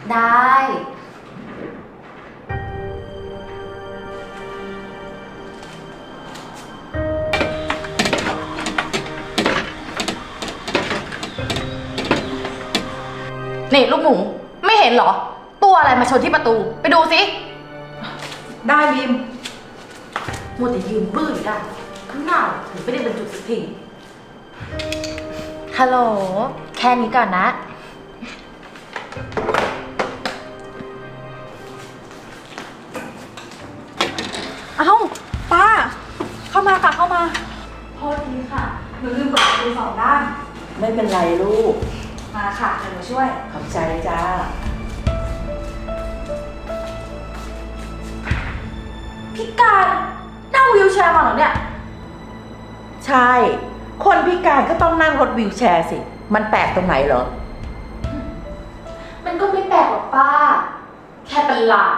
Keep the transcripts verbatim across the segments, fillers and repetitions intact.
ได้ นี่ลูกหมูไม่เห็นเหรอ ตัวอะไรมาชนที่ประตูไปดูสิได้บีมมัวแต่ยืนบื้อได้ข้างหน้าถึงไม่ได้บรรจุสักทีฮัลโหลแค่นี้ก่อนนะเอ้าป้าเข้ามาค่ะเข้ามาโทษทีค่ะหนูลืมเปิดประตูสองด้านไม่เป็นไรลูกมาค่ะเดี๋ยวหนูช่วยขอบใจจ้าพิการนั่งวีลแชร์มาเหรอเนี่ยใช่คนพิการก็ต้องนั่งรถวีลแชร์สิมันแปลกตรงไหนเหรอมันก็ไม่แปลกหรอกป้าแค่เป็นหลาด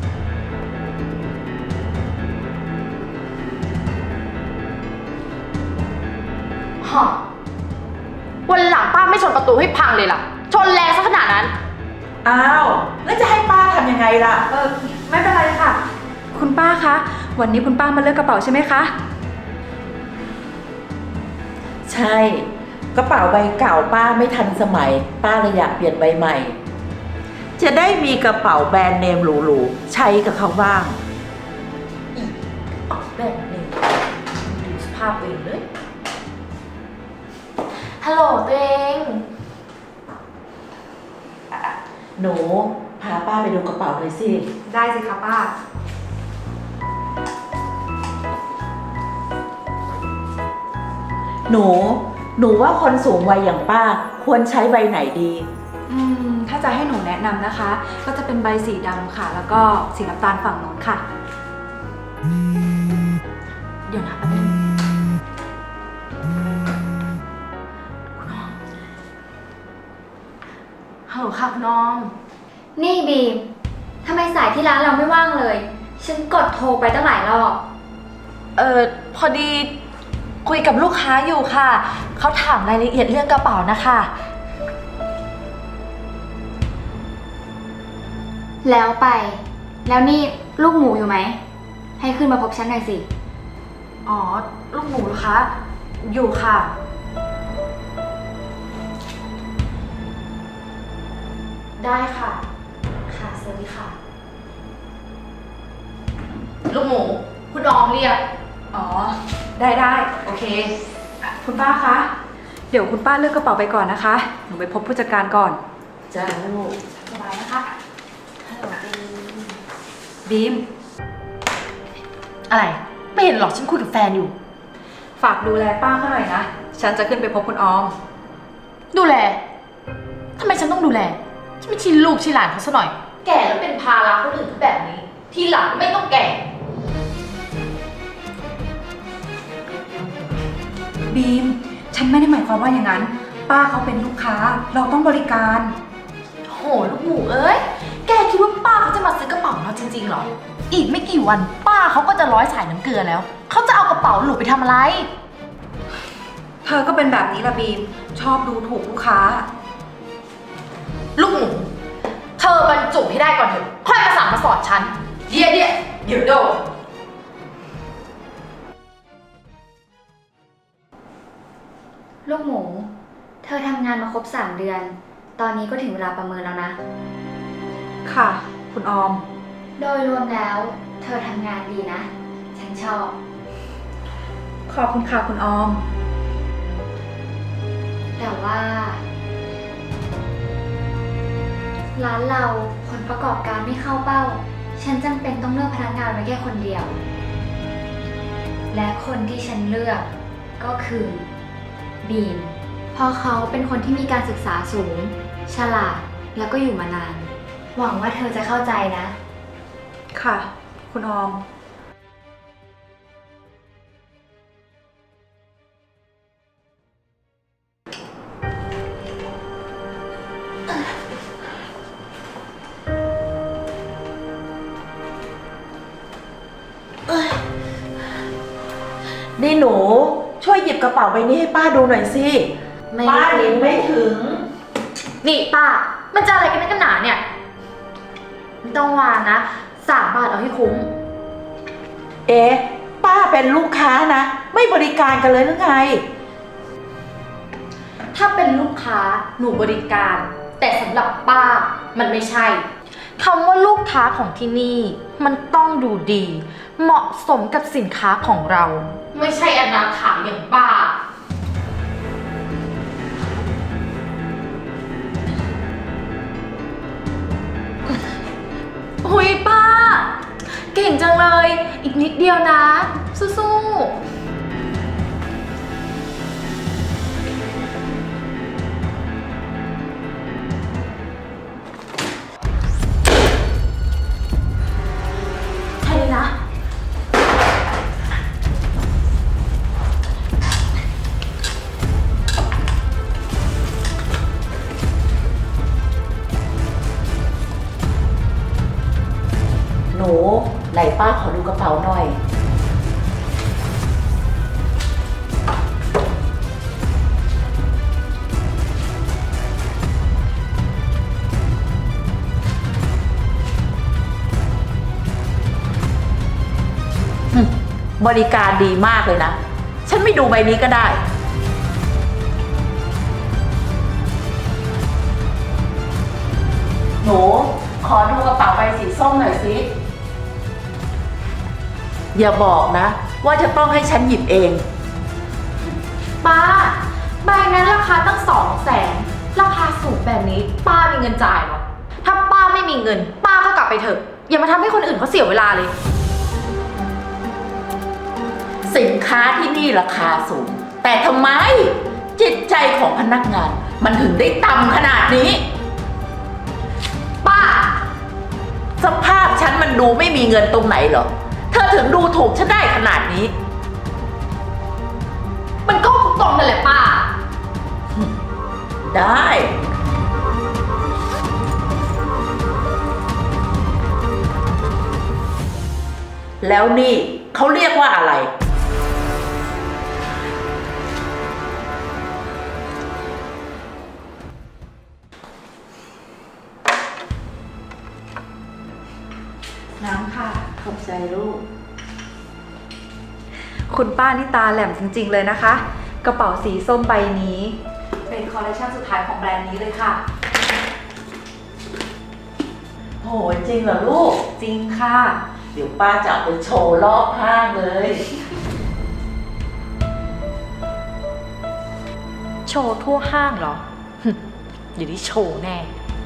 ฮะวันหลังป้าไม่ชนประตูให้พังเลยล่ะชนแรงซะขนาดนั้นอ้าวแล้วจะให้ป้าทำยังไงล่ะเออไม่เป็นไรค่ะคุณป้าคะวันนี้คุณป้ามาเลือกกระเป๋าใช่ไหมคะใช่กระเป๋าใบเก่าป้าไม่ทันสมัยป้าเลยอยากเปลี่ยนใบใหม่จะได้มีกระเป๋าแบรนด์เนมหรูๆใช้กับเขาบ้างอีกออกแบรนด์เนมดูสภาพเองเลยฮัลโหลตัวเองหนูพาป้าไปดูกระเป๋าหน่อยสิได้สิคะป้าหนูหนูว่าคนสูงวัยอย่างป้าควรใช้ใบไหนดีอืมถ้าจะให้หนูแนะนำนะคะก็จะเป็นใบสีดำค่ะแล้วก็สีน้ำตาลฝั่งโน้นค่ะเดี๋ยวนะแป๊บนึงฮัลโหลค่ะคุณน้องนี่บีมทำไมสายที่ร้านเราไม่ว่างเลยฉันกดโทรไปตั้งหลายรอบเออพอดีคุยกับลูกค้าอยู่ค่ะเขาถามรายละเอียดเรื่องกระเป๋านะคะแล้วไปแล้วนี่ลูกหมูอยู่ไหมให้ขึ้นมาพบฉันหน่อยสิอ๋อลูกหมูเหรอคะอยู่ค่ะได้ค่ะค่ะสวัสดีค่ะลูกหมูคุณน้องเรียกอ๋อได้ได้โอเคคุณป้าคะเดี๋ยวคุณป้าเลือกกระเป๋าไปก่อนนะคะหนูไปพบผู้จัดการก่อนจ้าลูกสบายนะคะฮัลโหลบีมอะไรไม่เห็นหรอกฉันคุยกับแฟนอยู่ฝากดูแลป้าเขาหน่อยนะฉันจะขึ้นไปพบคุณออมดูแลทำไมฉันต้องดูแลฉันไม่ชินลูกชินหลานเขาซะหน่อยแก่แล้วเป็นภาระคนอื่นก็แบบนี้ทีหลังไม่ต้องแก่บีมฉันไม่ได้หมายความว่าอย่างนั้นป้าเขาเป็นลูกค้าเราต้องบริการโหลูกหมูเอ้ยแกคิดว่าป้าเขาจะมาซื้อกระเป๋าเราจริงๆหรออีกไม่กี่วันป้าเขาก็จะร้อยสายน้ำเกลือแล้วเขาจะเอากระเป๋าหลูไปทำอะไรเธอก็เป็นแบบนี้ละบีมชอบดูถูกลูกค้าลูกหมูเธอบรรจุให้ได้ก่อนเถอะค่อยมาสั่งมาสอนฉันเดี๋ยวเดี๋ยวเดี๋ยวโดนลูกหมูเธอทำงานมาครบสามเดือนตอนนี้ก็ถึงเวลาประเมินแล้วนะค่ะคุณออมโดยรวมแล้วเธอทำงานดีนะฉันชอบขอบคุณค่ะคุณออมแต่ว่าร้านเราผลประกอบการไม่เข้าเป้าฉันจำเป็นต้องเลือกพนักงานไว้แค่คนเดียวและคนที่ฉันเลือกก็คือบีมเพราะเขาเป็นคนที่มีการศึกษาสูงฉลาดแล้วก็อยู่มานานหวังว่าเธอจะเข้าใจนะค่ะคุณออมนี่หนูช่วยหยิบกระเป๋าใบนี้ให้ป้าดูหน่อยสิป้าหยิบไม่ถึงนี่ป้ามันจะอะไรกันนักกันหนาเนี่ยไม่ต้องวางนะสามบาทเอาให้คุ้มเอ๊ะป้าเป็นลูกค้านะ ไม่บริการกันเลยหรือไงถ้าเป็นลูกค้าหนูบริการ แต่สำหรับป้ามันไม่ใช่คำว่าลูกค้าของที่นี่มันต้องดูดี เหมาะสมกับสินค้าของเรา ไม่ใช่อนาถาอย่างป้าหุยป้า เก่งจังเลย อีกนิดเดียวนะ สู้ๆแค่นี้นะหนูไหนป้าขอดูกระเป๋าหน่อย บริการดีมากเลยนะ ฉันไม่ดูใบนี้ก็ได้ หนูขอดูกระเป๋าใบสีส้มหน่อยสิ อย่าบอกนะ ว่าจะต้องให้ฉันหยิบเองป้าใบนั้นราคาตั้งสองแสนราคาสูงแบบนี้ ป้ามีเงินจ่ายเหรอ ถ้าป้าไม่มีเงิน ป้าก็กลับไปเถอะ อย่ามาทำให้คนอื่นเขาเสียเวลาเลยสินค้าที่นี่ราคาสูง แต่ทำไม จิตใจของพนักงาน มันถึงได้ต่ำขนาดนี้ป้าสภาพฉันมันดูไม่มีเงินตรงไหนเหรอ เธอถึงดูถูกฉันได้ขนาดนี้มันก็ตรงๆนั่นแหละป้าได้ แล้วนี่เขาเรียกว่าอะไรน้ำค่ะขอบใจลูกคุณป้านี่ตาแหลมจริงๆเลยนะคะ กระเป๋าสีส้มใบนี้ เป็นคอลเลคชันสุดท้ายของแบรนด์นี้เลยค่ะโหจริงเหรอลูกจริงค่ะเดี๋ยวป้าจะเอาไปโชว์รอบห้างเลยโชว์ทั่วห้างเหรอ อย่าได้โชว์แน่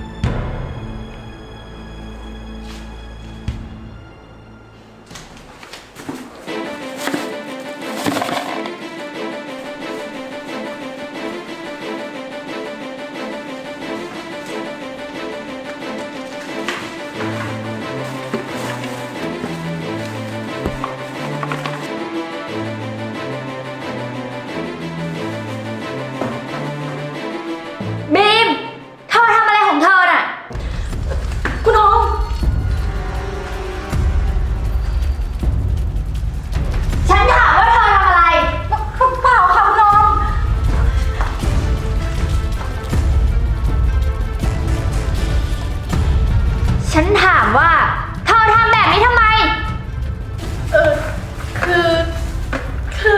บีม เธอทำอะไรของเธอน่ะคุณน้องฉันถามว่าเธอทำอะไรเปล่าค่ะคุณน้องฉันถามว่า เธอทำแบบนี้ทำไมเออ คือ คือ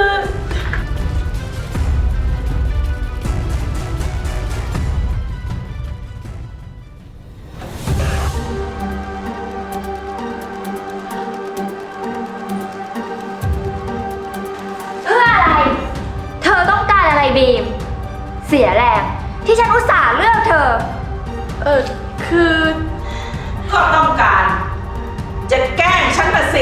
เพื่ออะไร เธอต้องการอะไรบีม เสียแรงที่ฉันอุตส่าห์เลือกเธอเออ คือก็ต้องการ จะแกล้งฉันมาสิ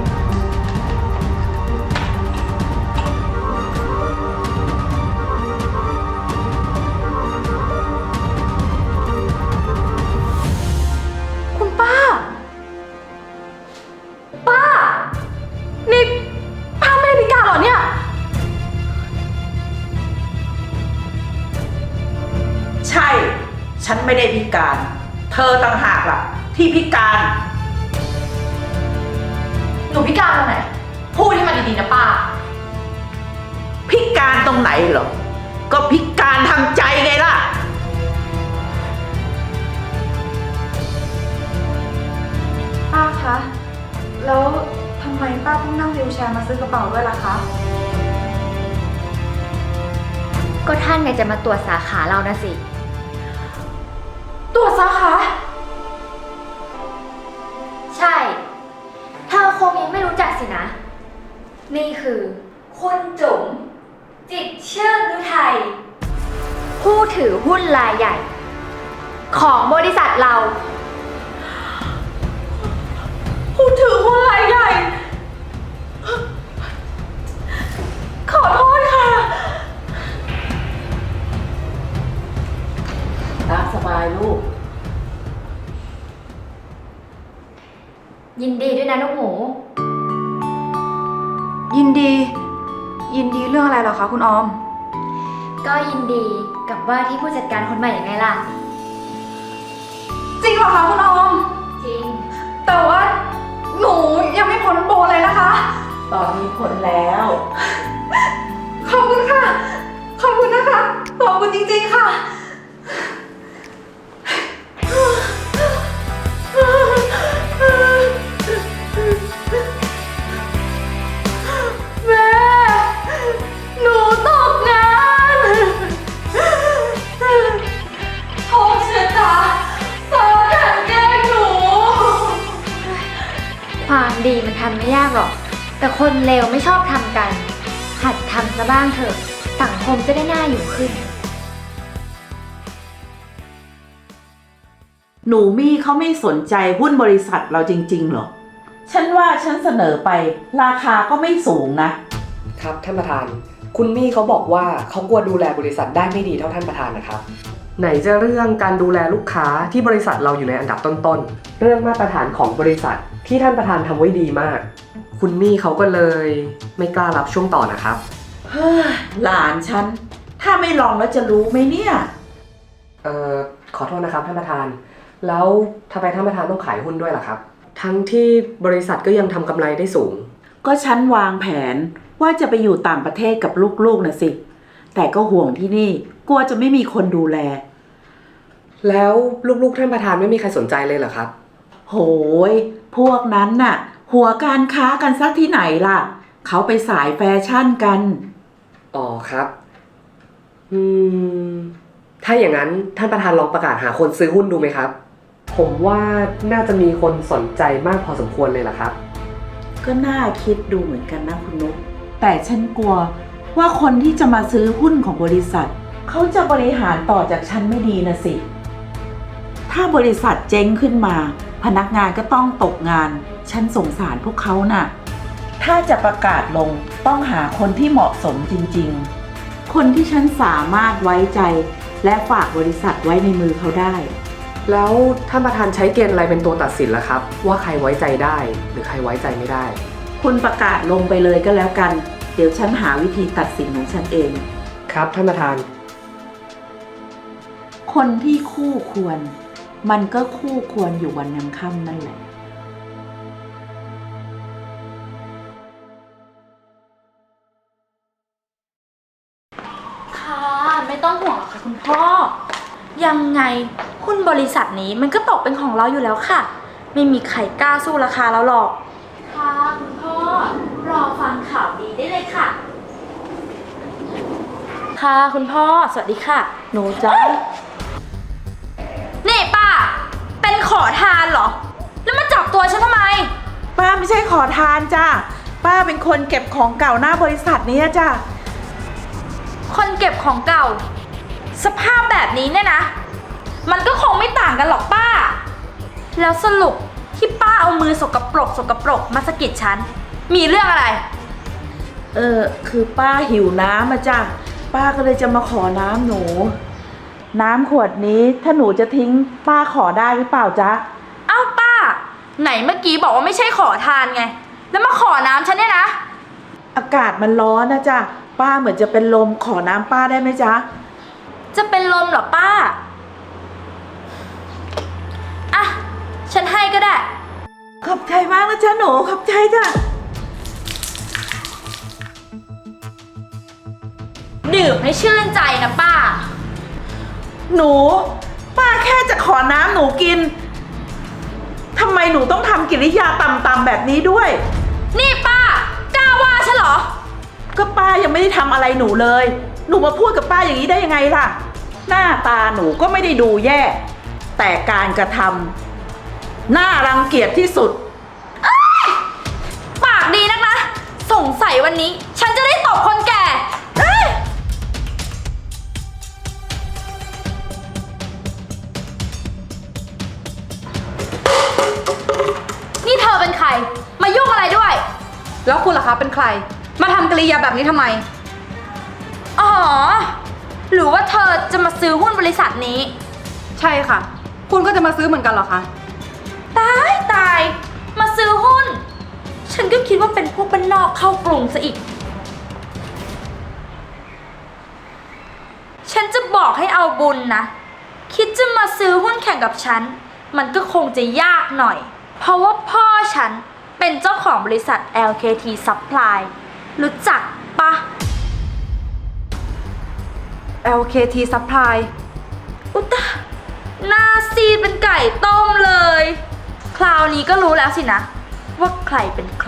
คุณป้า ป้า นี่ป้าไม่ได้พิการเหรอเนี่ยใช่ ฉันไม่ได้พิการ เธอต่างหากล่ะ ที่พิการหนูพิการตรงไหน พูดให้มันดีๆนะป้าพิการตรงไหนเหรอ ก็พิการทางใจไงล่ะวิวแชร์มาซื้อกระเป๋าด้วยล่ะคะก็ท่านไงจะมาตรวจสาขาเรานะสิตัวสาขาใช่ เธอคงยังไม่รู้จักสินะ นี่คือคุณจุ๋มจิตรชื่นฤทัยผู้ถือหุ้นรายใหญ่ ของบริษัทเราผู้ถือหุ้นรายใหญ่ ขอโทษค่ะตามสบายลูกยินดีด้วยนะลูกหมูยินดี ยินดีเรื่องอะไรเหรอคะคุณออมก็ยินดีกับว่าที่ผู้จัดการคนใหม่ยังไงล่ะจริงเหรอคะคุณออมจริงแต่ว่าหนูยังไม่พ้นโปรเลยนะคะตอนนี้ผลแล้วขอบคุณค่ะ ขอบคุณนะคะ ขอบคุณจริงๆค่ะแม่ หนูตกงานโทษเชตาตาแข่งแกล้งหนูความดีมันทำไม่ยากหรอก แต่คนเลวไม่ชอบทำกัน หัดทำซะบ้างเถอะ สังคมจะได้น่าอยู่ขึ้นหนูมี่เขาไม่สนใจหุ้นบริษัทเราจริงๆหรอ ฉันว่าฉันเสนอไปราคาก็ไม่สูงนะครับท่านประธาน คุณมี่เขาบอกว่าเขากลัวดูแลบริษัทได้ไม่ดีเท่าท่านประธานนะครับ ไหนจะเรื่องการดูแลลูกค้าที่บริษัทเราอยู่ในอันดับต้นๆ เรื่องมาตรฐานของบริษัทที่ท่านประธานทำไว้ดีมาก คุณมี่เขาก็เลยไม่กล้ารับช่วงต่อนะครับเฮ้ยหลานฉัน ถ้าไม่ลองแล้วจะรู้ไหมเนี่ยเอ่อขอโทษนะครับท่านประธาน แล้วทำไมท่านประธานต้องขายหุ้นด้วยล่ะครับ ทั้งที่บริษัทก็ยังทำกำไรได้สูงก็ฉันวางแผนว่าจะไปอยู่ต่างประเทศกับลูกๆนะสิ แต่ก็ห่วงที่นี่ กลัวจะไม่มีคนดูแลแล้วลูกๆท่านประธานไม่มีใครสนใจเลยเหรอครับโหย พวกนั้นน่ะ หัวการค้ากันสักที่ไหนล่ะ เขาไปสายแฟชั่นกันอ๋อครับ อืม ถ้าอย่างนั้นท่านประธานลองประกาศหาคนซื้อหุ้นดูไหมครับ ผมว่าน่าจะมีคนสนใจมากพอสมควรเลยล่ะครับก็น่าคิดดูเหมือนกันนะคุณนุ๊กแต่ฉันกลัวว่าคนที่จะมาซื้อหุ้นของบริษัท เขาจะบริหารต่อจากฉันไม่ดีนะสิ ถ้าบริษัทเจ๊งขึ้นมา พนักงานก็ต้องตกงาน ฉันสงสารพวกเขาน่ะ ถ้าจะประกาศลงต้องหาคนที่เหมาะสมจริงๆ คนที่ฉันสามารถไว้ใจ และฝากบริษัทไว้ในมือเขาได้แล้วท่านประธานใช้เกณฑ์อะไรเป็นตัวตัดสินล่ะครับ ว่าใครไว้ใจได้หรือใครไว้ใจไม่ได้คุณประกาศลงไปเลยก็แล้วกัน เดี๋ยวฉันหาวิธีตัดสินของฉันเองครับท่านประธานคนที่คู่ควร มันก็คู่ควรอยู่วันยังค่ำนั่นแหละค่ะ ไม่ต้องห่วงหรอกค่ะคุณพ่อ ยังไงหุ้นบริษัทนี้มันก็ตกเป็นของเราอยู่แล้วค่ะ ไม่มีใครกล้าสู้ราคาเราหรอก ค่ะคุณพ่อ รอฟังข่าวดีได้เลยค่ะ ค่ะคุณพ่อ สวัสดีค่ะ หนูจ้านี่ป้า เป็นขอทานเหรอ แล้วมาจับตัวฉันทำไมป้าไม่ใช่ขอทานจ้าป้าเป็นคนเก็บของเก่าหน้าบริษัทนี้จ้าคนเก็บของเก่า สภาพแบบนี้เนี่ยนะ มันก็คงไม่ต่างกันหรอกป้า แล้วสรุปที่ป้าเอามือสกปรกสกปรกมาสะกิดฉัน มีเรื่องอะไรเออคือป้าหิวน้ำมาจ้าป้าก็เลยจะมาขอน้ำหนู น้ำขวดนี้ถ้าหนูจะทิ้งป้าขอได้หรือเปล่าจ๊ะเอ้าป้า ไหนเมื่อกี้บอกว่าไม่ใช่ขอทานไง แล้วมาขอน้ำฉันเนี่ยนะอากาศมันร้อนนะจ้ะป้าเหมือนจะเป็นลมขอน้ำป้าได้ไหมจ๊ะจะเป็นลมเหรอป้า อ่ะ ฉันให้ก็ได้ขอบใจมากนะจ๊ะหนูขอบใจจ้ะดื่มให้ชื่นใจนะป้าหนู ป้าแค่จะขอน้ำหนูกินทำไมหนูต้องทำกิริยาต่ำๆแบบนี้ด้วยนี่ป้ากล้าก็ป้ายังไม่ได้ทำอะไรหนูเลย หนูมาพูดกับป้าอย่างนี้ได้ยังไงล่ะ หน้าตาหนูก็ไม่ได้ดูแย่ แต่การกระทำน่ารังเกียจที่สุดปากดีนักนะ สงสัยวันนี้ ฉันจะได้ตบคนแก่เอ้ยนี่เธอเป็นใคร มายุ่งอะไรด้วยแล้วคุณล่ะคะเป็นใคร มาทำกริยาแบบนี้ทำไมอ๋อ หรือว่าเธอจะมาซื้อหุ้นบริษัทนี้ใช่ค่ะ คุณก็จะมาซื้อเหมือนกันเหรอคะตายตาย มาซื้อหุ้น ฉันก็คิดว่าเป็นพวกบ้านนอกเข้ากรุงซะอีก ฉันจะบอกให้เอาบุญนะ คิดจะมาซื้อหุ้นแข่งกับฉัน มันก็คงจะยากหน่อย เพราะว่าพ่อฉันเป็นเจ้าของบริษัท แอล เค ที Supply รู้จักปะแอล เค ที Supply อุตตะหน้าซีดเป็นไก่ต้มเลย คราวนี้ก็รู้แล้วสินะ ว่าใครเป็นใคร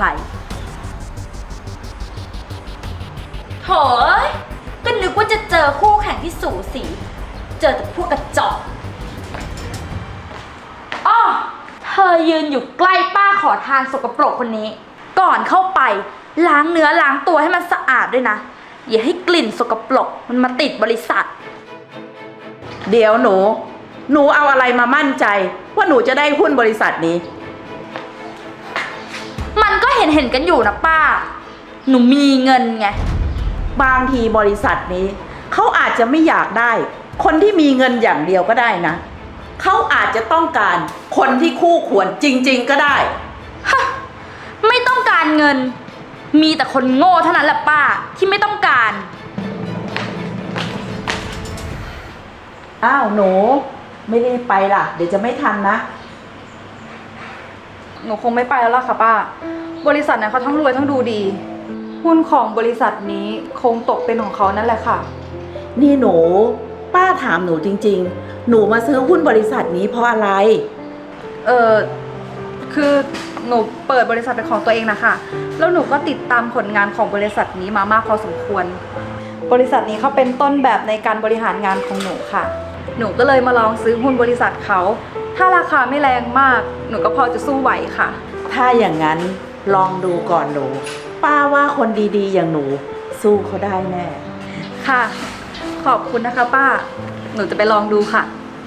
โถยก็นึกว่าจะเจอคู่แข่งที่สูสี เจอแต่พวกกระจอกอ้อเธอยืนอยู่ใกล้ป้าขอทานสกปรกคนนี้ ก่อนเข้าไปล้างเนื้อล้างตัวให้มันสะอาดด้วยนะ อย่าให้กลิ่นสกปรกมันมาติดบริษัทเดี๋ยวหนู หนูเอาอะไรมามั่นใจ ว่าหนูจะได้หุ้นบริษัทนี้มันก็เห็นเห็นกันอยู่นะป้า หนูมีเงินไงบางทีบริษัทนี้ เขาอาจจะไม่อยากได้ คนที่มีเงินอย่างเดียวก็ได้นะ เขาอาจจะต้องการคนที่คู่ควรจริงๆก็ได้ฮะ ไม่ต้องการเงิน มีแต่คนโง่เท่านั้นแหละป้าที่ไม่ต้องการอ้าวหนู ไม่ได้ไปล่ะ เดี๋ยวจะไม่ทันนะหนูคงไม่ไปแล้วล่ะค่ะป้า บริษัทเนี่ยเขาทั้งรวยทั้งดูดี หุ้นของบริษัทนี้คงตกเป็นของเขานั่นแหละค่ะนี่หนู ป้าถามหนูจริงๆ หนูมาซื้อหุ้นบริษัทนี้เพราะอะไรเออคือหนูเปิดบริษัทเป็นของตัวเองนะคะ แล้วหนูก็ติดตามผลงานของบริษัทนี้มามากพอสมควร บริษัทนี้เขาเป็นต้นแบบในการบริหารงานของหนูค่ะ หนูก็เลยมาลองซื้อหุ้นบริษัทเขา ถ้าราคาไม่แรงมาก หนูก็พอจะสู้ไหวค่ะถ้าอย่างนั้นลองดูก่อนหนู ป้าว่าคนดีๆ อย่างหนู สู้เขาได้แน่ค่ะ ขอบคุณนะคะป้า หนูจะไปลองดูค่ะ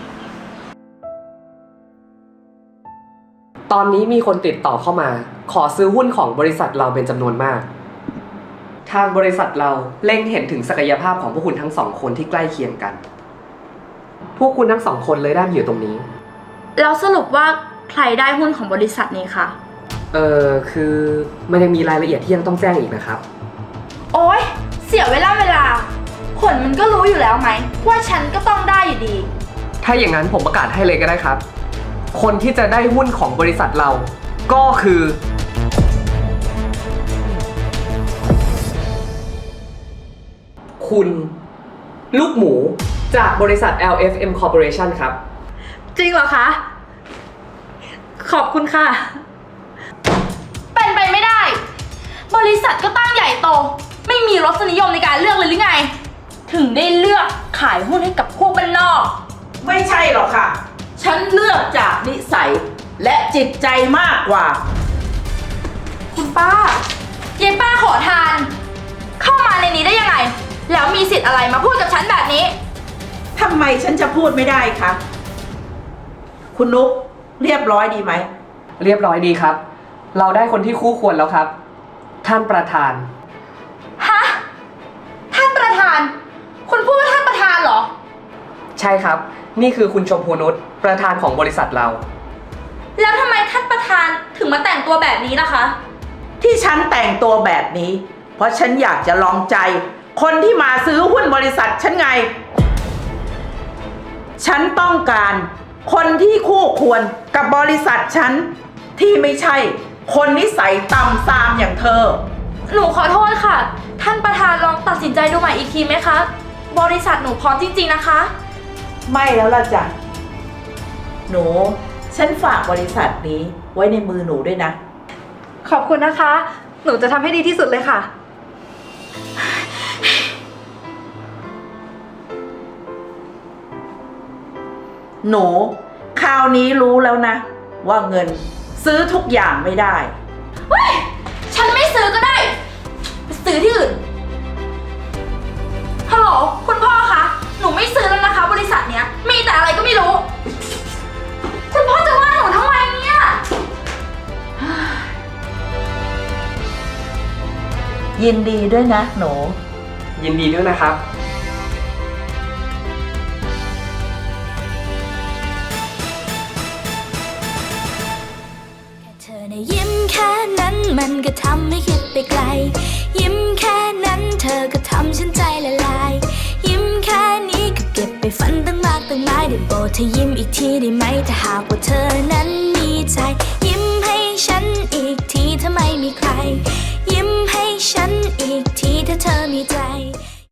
ตอนนี้มีคนติดต่อเข้ามา ขอซื้อหุ้นของบริษัทเราเป็นจำนวนมาก ทางบริษัทเราเล็งเห็นถึงศักยภาพของพวกคุณทั้งสองคนที่ใกล้เคียงกัน พวกคุณทั้งสองคนเลยได้มาอยู่ตรงนี้แล้วสรุปว่าใครได้หุ้นของบริษัทนี้คะเออคือมันยังมีรายละเอียดที่ยังต้องแจ้งอีกนะครับโอ๊ย เสียเวลาเวลา ผลมันก็รู้อยู่แล้วไหม ว่าฉันก็ต้องได้อยู่ดีถ้าอย่างนั้นผมประกาศให้เลยก็ได้ครับ คนที่จะได้หุ้นของบริษัทเรา ก็คือ คุณ ลูกหมูจากบริษัท แอล เอฟ เอ็ม Corporation ครับจริงเหรอคะ ขอบคุณค่ะเป็นไปไม่ได้ บริษัทก็ตั้งใหญ่โต ไม่มีรสนิยมในการเลือกเลยหรือไง ถึงได้เลือกขายหุ้นให้กับพวกบ้านนอกไม่ใช่หรอกค่ะ ฉันเลือกจากนิสัย และจิตใจมากกว่าคุณป้าเย้ป้าขอทาน เข้ามาในนี้ได้ยังไง แล้วมีสิทธิ์อะไรมาพูดกับฉันแบบนี้ทำไมฉันจะพูดไม่ได้คะ คุณนุ๊กเรียบร้อยดีไหมเรียบร้อยดีครับ เราได้คนที่คู่ควรแล้วครับ ท่านประธานฮะ ท่านประธาน คุณพูดว่าท่านประธานเหรอใช่ครับ นี่คือคุณชมพูนุชประธานของบริษัทเราแล้วทำไมท่านประธานถึงมาแต่งตัวแบบนี้ล่ะคะที่ฉันแต่งตัวแบบนี้ เพราะฉันอยากจะลองใจ คนที่มาซื้อหุ้นบริษัทฉันไง ฉันต้องการคนที่คู่ควรกับบริษัทฉัน ที่ไม่ใช่คนนิสัยต่ำซามอย่างเธอหนูขอโทษค่ะ ท่านประธานลองตัดสินใจดูใหม่อีกทีไหมคะ บริษัทหนูพร้อมจริงๆนะคะไม่แล้วล่ะจ้ะ หนู ฉันฝากบริษัทนี้ไว้ในมือหนูด้วยนะขอบคุณนะคะ หนูจะทำให้ดีที่สุดเลยค่ะหนูคราวนี้รู้แล้วนะ ว่าเงินซื้อทุกอย่างไม่ได้ฉันไม่ซื้อก็ได้ไปซื้อที่อื่น ฮัลโหลคุณพ่อคะ หนูไม่ซื้อแล้วนะคะ บริษัทเนี้ย มีแต่อะไรก็ไม่รู้ คุณพ่อจะว่าหนูทำไมเนี่ยยินดีด้วยนะหนูยินดีด้วยนะครับเธอในะยิ้มแค่นั้นมันก็ทำให้คิดไปไกล ยิ้มแค่นั้นเธอก็ทำฉันใจละลาย ยิ้มแค่นี้ก็เก็บไปฝันตั้งมากตั้งหลายได้โปรดเธอยิ้มอีกทีได้ไหมถ้าหากว่าเธอนั้นมีใจ ยิ้มให้ฉันอีกทีถ้าไม่มีใคร ยิ้มให้ฉันอีกทีถ้าเธอมีใจ